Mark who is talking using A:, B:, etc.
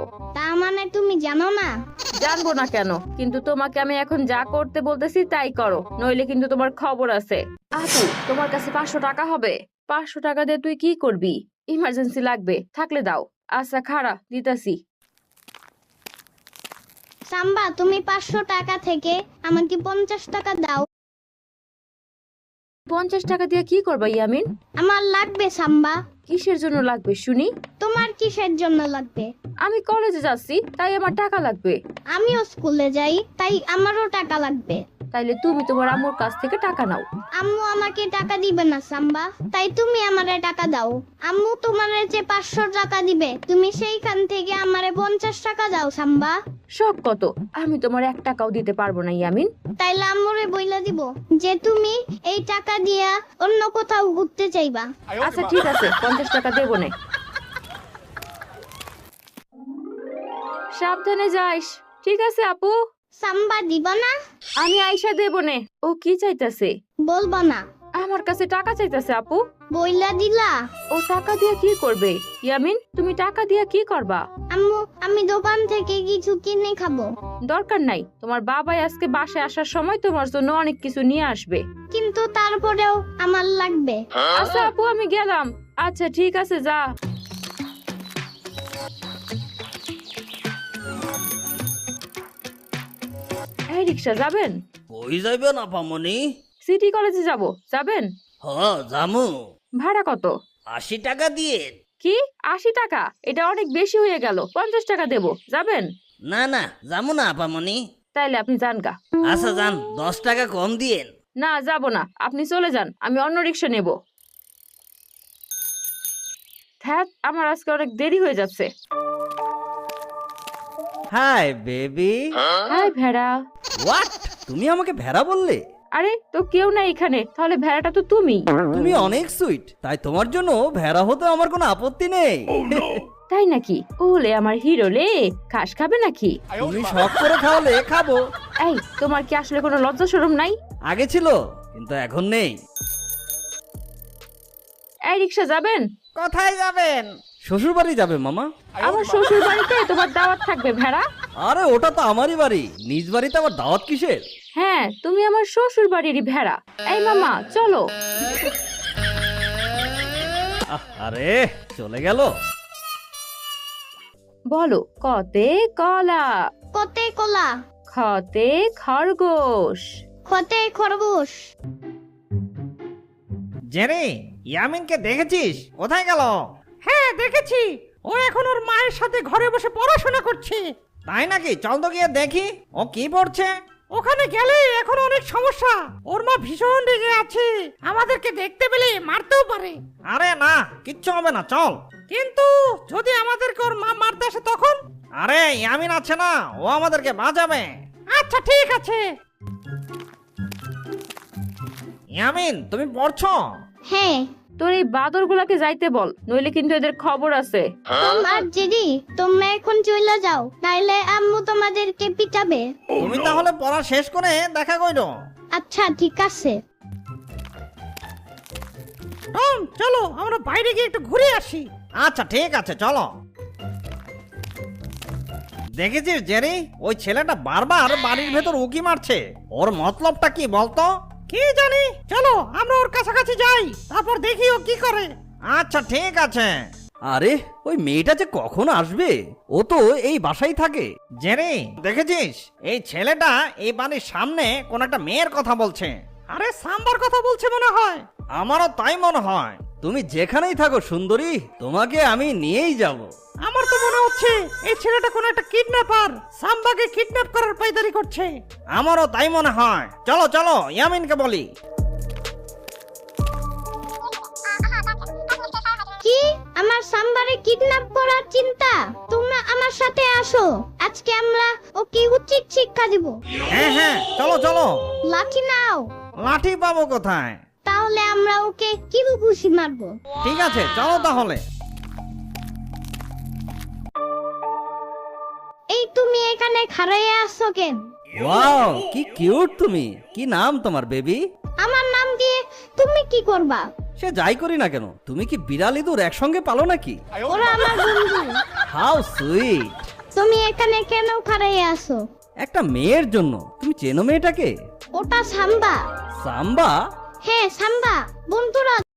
A: তা মানে তুমি জানো না?
B: জানবো না কেন, কিন্তু তোমাকে আমি এখন যা করতে বলতেছি তাই করো, নইলে কিন্তু তোমার খবর আছে। আপু, তোমার কাছে 500 টাকা হবে? 500 টাকা দিয়ে তুই কি করবি? ইমার্জেন্সি লাগবে, থাকলে দাও। আচ্ছা খাড়া, দিতাছি।
A: সাম্বা, তুমি 500 টাকা থেকে আমাকে 50 টাকা দাও।
B: 50 টাকা দিয়ে কি করবা ইয়ামিন?
A: আমার লাগবে সাম্বা।
B: কিসের জন্য লাগবে শুনি?
A: তোমার কিসের জন্য লাগবে?
B: আমি কলেজে যাচ্ছি, তাই আমার টাকা লাগবে।
A: আমিও স্কুলে যাই, তাই আমারও টাকা লাগবে।
B: তাইলে তুমি তোমার আম্মুর কাছ থেকে টাকা নাও।
A: আম্মু আমাকে টাকা দিবে না সাম্বা, তাই তুমি আমারে টাকা দাও। আম্মু তোমারে যে 500 টাকা দিবে, তুমি সেইখান থেকে আমারে 50 টাকা দাও সাম্বা।
B: শখ কত? আমি তোমার 1 টাকাও দিতে পারবো না ইয়ামিন।
A: তাইলে আম্মুরে বইলা দিব যে তুমি এই টাকা দিয়া অন্য কোথাও ঘুরতে চাইবা।
B: আচ্ছা ঠিক আছে, 50 টাকা দেবো না। সাবধানে যাইস। ঠিক আছে আপু,
A: সাম্বা দিবা না?
B: আমি আইসা দেবো নে। ও কি চাইতাছে?
A: বলবা না?
B: আমার কাছে টাকা চাইতাছে আপু।
A: বইলা দিলা?
B: ও টাকা দিয়ে কি করবে? ইয়ামিন, তুমি টাকা দিয়ে কি করবা?
A: আম্মু, আমি দোকান থেকে কিছু কিনে খাবো।
B: দরকার নাই, তোমার বাবাই আজকে বাসায় আসার সময় তোমার জন্য অনেক কিছু নিয়ে আসবে।
A: কিন্তু তারপরেও আমার লাগবে।
B: আচ্ছা আপু, আমি গেলাম। আচ্ছা ঠিক আছে, যা। এই রিক্সা যাবেন?
C: কই যাইবেন আপামনি?
B: সিটি কলেজে যাব, যাবেন?
C: জামু।
B: ভাড়া কত?
C: 80 টাকা দিয়ে।
B: কি 80 টাকা? এটা অনেক বেশি হয়ে গেল, 50 টাকা দেবো, যাবেন?
C: না না, যামু না আপামনি।
B: তাইলে আপনি যান গা।
C: আচ্ছা যান, 10 টাকা কম দিয়েন।
B: না যাব না, আপনি চলে যান, আমি অন্য রিক্সা নেব। ধ্যাত, আমার আজকে অনেক দেরি হয়ে যাচ্ছে।
D: Hi baby.
B: হাই ভেড়া।
D: হোয়াট? তুমি আমাকে ভেড়া বললে?
B: আরে তো কেউ নাই এখানে, তাহলে ভেড়াটা তো তুমি।
D: তুমি অনেক সুইট, তাই তোমার জন্য ভেড়া হতে আমার কোনো আপত্তি নেই।
B: তাই নাকি? ওলে আমার হিরো লে, ঘাস খাবে নাকি?
D: তুমি শখ করে খাওয়ালে খাবো।
B: এই, তোমার কি আসলে কোনো লজ্জা শরম নাই?
D: আগে ছিল, কিন্তু এখন নেই।
B: এই রিক্সা যাবেন?
D: কোথায় যাবেন? শ্বশুর বাড়ি যাবে মামা।
B: আমার শ্বশুর বাড়িতে তোমার দাওয়াত থাকবে ভেড়া।
D: আরে ওটা তো আমারই বাড়ি, নিজ বাড়িতে আবার দাওয়াত কিসের?
B: হ্যাঁ, তুমি আমার শ্বশুর বাড়িরই ভেড়া। এই মামা চলো।
D: আরে চলে গেল।
B: বলো, কতে কলা,
A: কতে কলা,
B: খতে খরগোশ।
A: খতে খরগোশ।
E: জেরি, ইয়ামিনকে দেখেছিস? কোথায় গেল?
F: হ্যাঁ দেখেছি, ও এখন ওর মায়ের সাথে ঘরে বসে পড়াশোনা করছে।
E: তাই নাকি? চল তো গিয়ে দেখি ও কি পড়ছে।
F: ওখানে গেলে এখন অনেক সমস্যা, ওর মা ভীষণ রেগে আছে, আমাদেরকে দেখতে পেলে মারতেও পারে।
E: আরে না, কিচ্ছু হবে না, চল।
F: কিন্তু যদি আমাদেরকে ওর মা মারতে আসে তখন?
E: আরে ইয়ামিন আছে না, ও আমাদেরকে বাঁচাবে।
F: আচ্ছা ঠিক আছে।
E: ইয়ামিন, তুমি পড়ছো?
A: হ্যাঁ।
B: তোর এই বাদর গুলাকে যাইতে বল, নইলে কিন্তু এদের খবর আছে।
A: তোমার জেরি, তোমরা এখন চলে যাও, নাইলে আম্মু তোমাদেরকে পিটাবে।
E: তুমি তাহলে পড়া শেষ করে দেখা কইরো।
A: আচ্ছা ঠিক আছে।
F: টম চলো আমরা বাইরে গিয়ে একটু ঘুরে আসি।
E: আচ্ছা ঠিক আছে, চলো। দেখেছিস জেরি, ওই ছেলেটা বারবার বাড়ির ভেতর উকি মারছে। ওর মতলবটা কি বলতো?
F: কি জানি, চলো আমরা ওর কাছাকাছি যাই, তারপর দেখি ও কি করে।
E: আচ্ছা ঠিক আছে।
D: আরে ওই মেয়েটা যে কখন আসবে? ও তো এই বাসায় থাকে।
E: জেরি, দেখেছিস এই ছেলেটা এই বাড়ির সামনে কোন একটা মেয়ের কথা বলছে।
F: আরে সাম্বার কথা বলছে মনে হয়।
E: আমারও তাই মনে হয়।
D: তুমি যেখানেই থাকো সুন্দরী, তোমাকে আমি নিয়েই যাব।
F: আমার তো মনে হচ্ছে এই ছেলেটা কোন একটা কিডন্যাপার, সাম্বাকে কিডন্যাপ করার পায়দারি করছে।
E: আমারও তাই মনে হয়। চলো চলো, ইয়ামিনকে বলি।
A: কি, আমার সাম্বারে কিডন্যাপ করার চিন্তা? তোমরা আমার সাথে আসো, আজকে আমরা ওকে উচিত শিক্ষা দিব।
E: হ্যাঁ হ্যাঁ, চলো চলো।
A: লাঠি নাও।
E: লাঠি পাবো কোথায়?
A: তাহলে আমরা ওকে কিল ঘুষি মারবো।
E: ঠিক আছে, চলো তাহলে।
A: এই তুমি এখানে খাড়াইয়া আসছো কেন?
D: ওয়াও, কি কিউট তুমি। কি নাম তোমার বেবি?
A: আমার নাম দিয়ে তুমি কি করবা?
D: সে যাই করি না কেন, তুমি কি বিড়াল ইঁদুর একসঙ্গে পালো নাকি?
A: ওরা আমার বন্ধু।
D: How sweet.
A: তুমি এখানে কেন খাড়াই আছো?
D: একটা মেয়ের জন্য। তুমি চেনো মেয়েটাকে?
A: ওটা সাম্বা।
D: সাম্বা?
A: হ্যাঁ সাম্বা, বন্ধুরা